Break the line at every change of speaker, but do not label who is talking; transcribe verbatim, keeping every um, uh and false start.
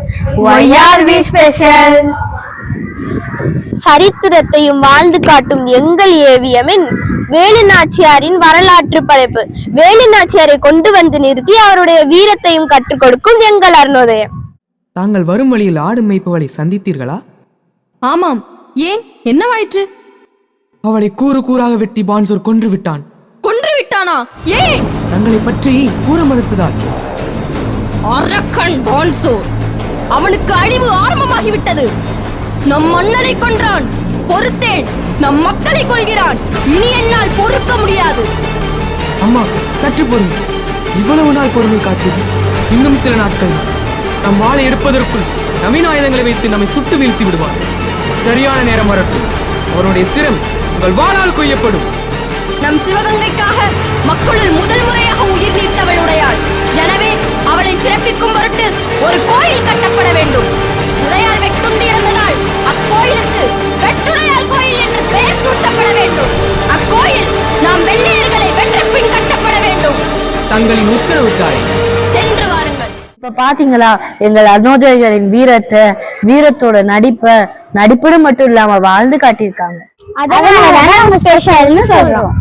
Why are we special?
சரித்திரத்தையும் வாழ்ந்து காட்டும் எங்கள் ஏவியமின் வேலு நாச்சியாரின் வரலாற்று படைப்பு. வேலு நாச்சியாரை கொண்டு வந்து நிறுத்தி அவருடைய வீரத்தையும் கற்றுக் கொடுக்கும் எங்கள் அருணோதயம்.
தாங்கள் வரும் வழியில் ஆடு மேய்ப்பவளை சந்தித்தீர்களா?
ஆமாம். ஏன், என்னவாயிற்று?
அவளை கூறு கூறாக வெட்டி பான்சோர் கொன்று விட்டான்.
கொன்று விட்டானா? ஏன்?
தங்களை பற்றி கூற மறுத்ததால்.
அரக்கன் பான்சோர், அவனுக்கு அழிவு ஆரம்பமாகிவிட்டது. நம் மன்னனை கொன்றான், பொறுத்தேன். நம் மக்களை கொள்கிறான், இனி என்னால் பொறுக்க முடியாது.
அம்மா, சற்று பொறுமை. இவ்வளவு நாள் பொறுமை காத்து இன்னும் சில நாட்கள் நம் வாளை எடுப்பதற்குள் நவீன ஆயுதங்களை வைத்து நம்மை சுட்டு வீழ்த்தி விடுவார். சரியான நேரம் வரட்டும், அவருடைய சிரம் உங்கள் வாளால் கொய்யப்படும்.
நம் சிவகங்கைக்காக மக்களுள் முதல் முறையாக உயிர் நீத்தவள் உடையாள். எனவே அவளை சிறப்பிக்கும் பொருட்டு ஒரு கோயில் கட்டப்பட வேண்டும். உடையால் வெட்டுண்டு இருந்ததால் அக்கோயிலுக்கு வெட்டுடையால் கோயில் என்று பெயர் சூட்டப்பட வேண்டும். அக்கோயில் நாம் வெள்ளையர்களை வென்ற பின் கட்டப்பட வேண்டும்.
தங்களின் உத்தரவு தாய்.
சென்று வாருங்கள்.
இப்ப பாத்தீங்களா எங்கள் அருணோதயர்களின் வீரத்தை, வீரத்தோட நடிப்பை, நடிப்புடன் மட்டும் இல்லாம வாழ்ந்து காட்டியிருக்காங்க.
அதனால ஸ்பெஷல்னு சொல்றோம்.